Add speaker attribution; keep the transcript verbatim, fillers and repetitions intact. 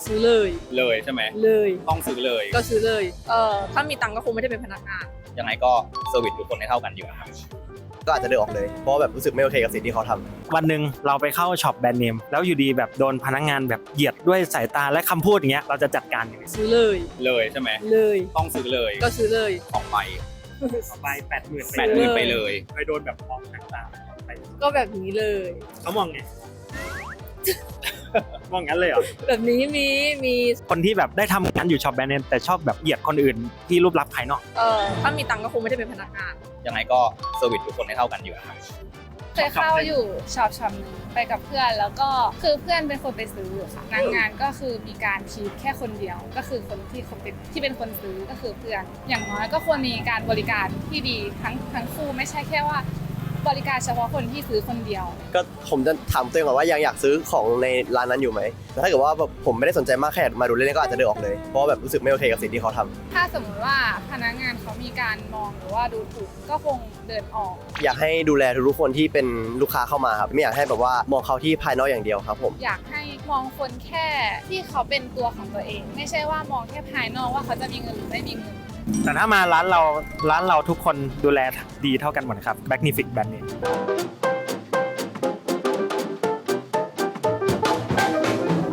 Speaker 1: ซื้อเลย
Speaker 2: เลยใช่ไหม
Speaker 1: เลย
Speaker 2: ต้องซื้อเลย
Speaker 1: ก็ซื้อเลยเอ่อถ้ามีตังค์ก็คงไม่ได้เป็นพนักงาน
Speaker 2: ยังไงก็เซอร์วิสทุกคนให้เท่ากันอยู่นะครับ
Speaker 3: ก็อาจจะเดินออกเลยเพราะแบบรู้สึกไม่โอเคกับสิ่งที่เขาทำ
Speaker 4: วันหนึ่งเราไปเข้าช็อปแบรนด์เนมแล้วอยู่ดีแบบโดนพนักงานแบบเหยียดด้วยสายตาและคำพูดอย่างเงี้ยเราจะจัดการยังไง
Speaker 1: ซื้อเลย
Speaker 2: เลยใช่ไหม
Speaker 1: เลย
Speaker 2: ต้องซื้อเลย
Speaker 1: ก็ซื้อเลย
Speaker 2: สองใบ
Speaker 4: ต่อไปแปดหมื่น
Speaker 2: แปดหมื่นไปเลย
Speaker 4: เคยโดนแบบมองต่างๆไป
Speaker 1: ก็แบบนี้เลย
Speaker 4: เขามองไง มองงั้นเลยเหรอ
Speaker 1: แบบนี้มีมี
Speaker 4: คนที่แบบได้ทำงานอยู่ช็อปแบรนด์เนมแต่ชอบแบบเหยียดคนอื่นที่รูปลักษณ์ภายนอก
Speaker 1: เอ่อถ้ามีตังค์ก็คงไม่ได้เป็นพนักงาน
Speaker 2: ยังไงก็เซอร์วิสทุกคนให้เท่ากันอยู่นะครับ
Speaker 5: เคยเข้าอยู่ช็อปช็อปนึงไปกับเพื่อนแล้วก็คือเพื่อนเป็นคนไปซื้อค่ะพนักงานก็คือมีการคีดแค่คนเดียวก็คือคนที่เขาเป็นที่เป็นคนซื้อก็คือเพื่อนอย่างน้อยก็ควรมีการบริการที่ดีทั้งทั้งคู่ไม่ใช่แค่ว่าบริการเฉพาะคนที่ซื้อคนเดียว
Speaker 3: ก็ผมจะถามตัวเองก่อนว่ายังอยากซื้อของในร้านนั้นอยู่ไหมแต่ถ้าเกิดว่าแบบผมไม่ได้สนใจมากแค่มาดูเล่นๆก็อาจจะเดินออกเลยเพราะแบบรู้สึกไม่โอเคกับสิ่งที่เขาทำ
Speaker 5: ถ้าสมมติว่าพนักงานเขามีการมองหรือว่าดูถูกก็คงเดินออก
Speaker 3: อยากให้ดูแลทุกคนที่เป็นลูกค้าเข้ามาครับไม่อยากให้แบบว่ามองเขาที่ภายนอกอย่างเดียวครับผม
Speaker 5: อยากให้มองคนแค่ที่เขาเป็นตัวของตัวเองไม่ใช่ว่ามองแค่ภายนอกว่าเขาจะมีเงินหรือไม่มีเงิน
Speaker 4: แต่ถ้ามาร้านเราร้านเราทุกคนดูแลดีเท่ากันหมดครับ Magnific Brand Name